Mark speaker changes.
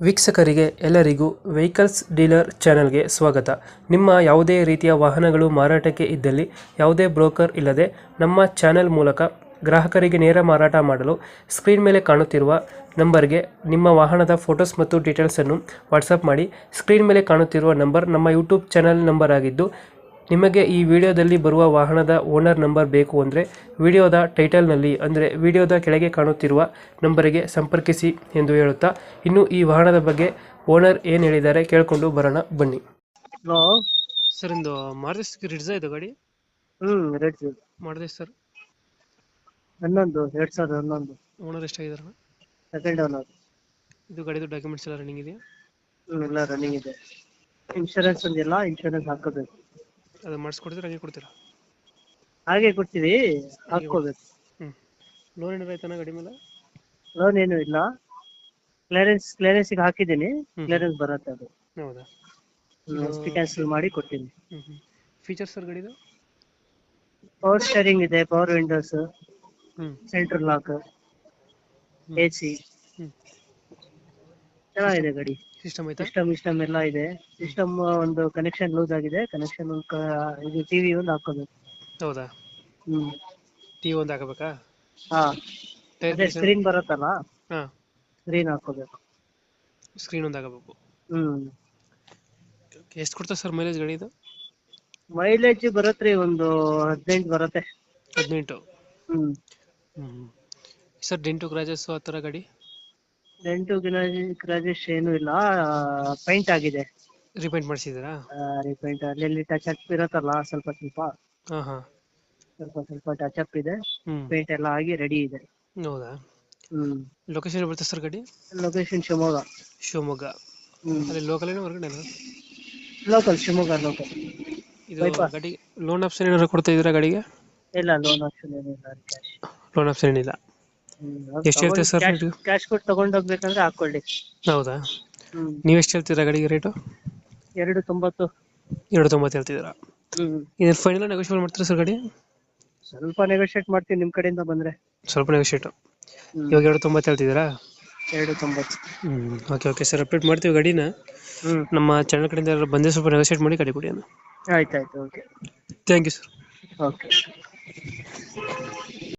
Speaker 1: ವೀಕ್ಷಕರಿಗೆ ಎಲ್ಲರಿಗೂ vehicles dealer ಚಾನೆಲ್ಗೆ ಸ್ವಾಗತ. ನಿಮ್ಮ ಯಾವುದೇ ರೀತಿಯ ವಾಹನಗಳು ಮಾರಾಟಕ್ಕೆ ಇದ್ದಲ್ಲಿ ಯಾವುದೇ ಬ್ರೋಕರ್ ಇಲ್ಲದೆ ನಮ್ಮ ಚಾನೆಲ್ ಮೂಲಕ ಗ್ರಾಹಕರಿಗೆ ನೇರ ಮಾರಾಟ ಮಾಡಲು ಸ್ಕ್ರೀನ್ ಮೇಲೆ ಕಾಣುತ್ತಿರುವ ನಂಬರ್ಗೆ ನಿಮ್ಮ ವಾಹನದ ಫೋಟೋಸ್ ಮತ್ತು ಡೀಟೇಲ್ಸನ್ನು ವಾಟ್ಸಪ್ ಮಾಡಿ. ಸ್ಕ್ರೀನ್ ಮೇಲೆ ಕಾಣುತ್ತಿರುವ ನಂಬರ್ ನಮ್ಮ ಯೂಟ್ಯೂಬ್ ಚಾನೆಲ್ ನಂಬರ್ ಆಗಿದ್ದು, ನಿಮಗೆ ಈ ವಿಡಿಯೋದಲ್ಲಿ ಬರುವ ವಾಹನದ ಓನರ್ ನಂಬರ್ ಬೇಕು ಅಂದರೆ ವಿಡಿಯೋದ ಟೈಟಲ್ನಲ್ಲಿ ಅಂದರೆ ವಿಡಿಯೋದ ಕೆಳಗೆ ಕಾಣುತ್ತಿರುವ ನಂಬರಿಗೆ ಸಂಪರ್ಕಿಸಿ ಎಂದು ಹೇಳುತ್ತಾ, ಇನ್ನು ಈ ವಾಹನದ ಬಗ್ಗೆ ಓನರ್ ಏನು ಹೇಳಿದ್ದಾರೆ ಕೇಳಿಕೊಂಡು ಬರೋಣ ಬನ್ನಿ.
Speaker 2: ಹಲೋ.
Speaker 1: ಸರ್, ಒಂದು ಮಾರುತಿ ರಿಡ್ಜಾ ಇದು ಗಾಡಿ
Speaker 2: ರೇಟ್
Speaker 1: ಮಾಡಿದೆ ಸರ್.
Speaker 2: 2011
Speaker 1: ಓನರ್ ಎಷ್ಟಾಗಿದಾರಣ?
Speaker 2: Second owner.
Speaker 1: ಇದು ಗಾಡಿದು ಡಾಕ್ಯುಮೆಂಟ್ಸ್ ಎಲ್ಲ ರನ್ನಿಂಗ್ ಇದೆಯಾ?
Speaker 2: ಎಲ್ಲ ರನ್ನಿಂಗ್ ಇದೆ. ಇನ್ಶೂರೆನ್ಸ್ ಒಂದಿಲ್ಲ, ಇನ್ಶೂರೆನ್ಸ್ ಹಾಕೋಬೇಕು.
Speaker 1: ಅದು ಮಾಡಿಸ್ಕೊಡ್ತೀರಾ, ಹಂಗೆ ಕೊಡ್ತೀರಾ?
Speaker 2: ಹಾಗೆ ಕೊಡ್ತೀವಿ, ಹಾಕೋಬೇಕು.
Speaker 1: ಲೋನ್ ಏನಾರ ಆಯ್ತಾನ ಗಾಡಿ ಮೇಲೆ?
Speaker 2: ಲೋನ್ ಏನು ಇಲ್ಲ, ಕ್ಲಿಯರೆನ್ಸ್ ಹಾಕಿದ್ದೀನಿ. ಕ್ಲಿಯರೆನ್ಸ್ ಬರುತ್ತೆ, ಅದು
Speaker 1: ಹೌದಾ?
Speaker 2: ಅಷ್ಟು ಕ್ಯಾನ್ಸಲ್ ಮಾಡಿ ಕೊಡ್ತೀನಿ.
Speaker 1: ಫೀಚರ್ಸ್ ಸರ್ ಗಾಡಿದು?
Speaker 2: ಪವರ್ ಸ್ಟೇರಿಂಗ್ ಇದೆ, power windows,
Speaker 1: hmm
Speaker 2: central lock, AC, ಚೆನ್ನಾಗಿದೆ ಗಾಡಿ.
Speaker 1: ಸಿಸ್ಟಮ್ ಆಯ್ತಾ?
Speaker 2: ಸಿಸ್ಟಮ್ ಎಲ್ಲ ಇದೆ. ಸಿಸ್ಟಮ್ ಒಂದು ಕನೆಕ್ಷನ್ ಲೂಸ್ ಆಗಿದೆ, ಕನೆಕ್ಷನ್ ಇದು ಟಿವಿ ಒಂದು ಹಾಕೋಬೇಕು.
Speaker 1: ಹೌದಾ? ಟಿವಿ ಒಂದು ಹಾಕಬೇಕಾ?
Speaker 2: ಹಾ,
Speaker 1: ಟೈರ್
Speaker 2: ಅದೇ ಸ್ಕ್ರೀನ್ ಬರುತ್ತಲ್ಲ,
Speaker 1: ಹಾಂ,
Speaker 2: ಸ್ಕ್ರೀನ್ ಹಾಕೋಬೇಕು.
Speaker 1: ಸ್ಕ್ರೀನ್ ಒಂದು ಹಾಕಬೇಕು.
Speaker 2: ಹ್ಮ್
Speaker 1: ಎಷ್ಟು ಕೊಡ್ತಾ ಸರ್ ಮೈಲೇಜ್ ಗಾಡಿ ಇದು?
Speaker 2: ಮೈಲೇಜ್ ಬರತ್ರಿ, ಒಂದು 18 ಬರುತ್ತೆ.
Speaker 1: 18?
Speaker 2: ಹ್ಮ್
Speaker 1: ಸರ್, ಡೆಂಟು ಕ್ರಾಚಸ್ ಆ ಥರ ಗಾಡಿ?
Speaker 2: ಡೆಂಟು ಗ್ರಾಜೇಶ್ ಏನು ಇಲ್ಲ, ಪೈಂಟ್ ಆಗಿದೆ.
Speaker 1: ರಿಪೇಂಟ್ ಮಾಡಿಸಿದ್ದೀರಾ?
Speaker 2: ರಿಪೇಂಟ್ ಅಲ್ಲಿ ಟಚ್ ಅಪ್ ಇರುತ್ತಲ್ಲ, ಸ್ವಲ್ಪ
Speaker 1: ಹಾಂ ಹಾಂ,
Speaker 2: ಸ್ವಲ್ಪ ಟಚ್ ಅಪ್ ಇದೆ.
Speaker 1: ಹ್ಮ್,
Speaker 2: ಪೇಂಟ್ ಎಲ್ಲ ಆಗಿ ರೆಡಿ ಇದೆ.
Speaker 1: ಹೌದಾ?
Speaker 2: ಹ್ಮ್
Speaker 1: ಲೊಕೇಶನ್ ಬರುತ್ತೆ ಸರ್ ಗಾಡಿ?
Speaker 2: ಲೊಕೇಶನ್ ಶಿವಮೊಗ್ಗ.
Speaker 1: ಶಿವಮೊಗ್ಗ. ಅಲ್ಲಿ ಲೋಕಲ್ ಏನೋ ಹೊರಗಡೆ?
Speaker 2: Local, Shivamogga local.
Speaker 1: ಇದು ಗಾಡಿ ಲೋನ್ ಆಪ್ಷನ್ ಏನಾದ್ರು ಕೊಡ್ತಾ ಇದ್ದೀರಾ ಗಾಡಿಗೆ?
Speaker 2: ಇಲ್ಲ, ಲೋನ್ ಆಪ್ಷನ್ ಏನಿಲ್ಲ, ಕ್ಯಾಶ್.
Speaker 1: ಲೋನ್ ಆಪ್ಷನ್ ಏನಿಲ್ಲ. ಎಷ್ಟು ಹೇಳ್ತೀರಾ ಸರ್ ರೇಟು?
Speaker 2: ಕ್ಯಾಶ್ ಕೊಟ್ಟು ತಗೊಂಡೋಗ್ಬೇಕಂದ್ರೆ ಹಾಕೊಳ್ಳಿ.
Speaker 1: ಹೌದಾ? ನೀವು ಎಷ್ಟು ಹೇಳ್ತೀರಾ ಗಾಡಿಗೆ ರೇಟು?
Speaker 2: 290.
Speaker 1: 290 ಹೇಳ್ತಿದ್ದೀರಾ? ಇದು ಫೈನಲ್ ನೆಗೋಷಿಯೇಟ್ ಮಾಡ್ತೀರಾ ಸರ್ ಗಾಡಿ?
Speaker 2: ಸ್ವಲ್ಪ ನೆಗೋಷಿಯೇಟ್ ಮಾಡ್ತೀನಿ ನಿಮ್ ಕಡೆಯಿಂದ ಬಂದ್ರೆ.
Speaker 1: ಸ್ವಲ್ಪ ನೆಗೋಷಿಯೇಟ್. ಇವಾಗ 290 ಹೇಳ್ತಿದ್ದೀರಾ?
Speaker 2: 290.
Speaker 1: ಓಕೆ ಓಕೆ ಸರ್, ಅಪ್ಡೇಟ್ ಮಾಡ್ತೀವಿ ಗಾಡಿನ. ನಮ್ಮ ಚಾನಲ್ ಕಡೆಯಿಂದ ಯಾರು ಬಂದರೆ ಸ್ವಲ್ಪ ನೆಗೋಷಿಯೇಟ್ ಮಾಡಿ ಗಾಡಿ ಕೊಡಿ ಅಣ್ಣ.
Speaker 2: ಆಯ್ತಾಯ್ತು, okay.
Speaker 1: Thank you sir.
Speaker 2: Okay.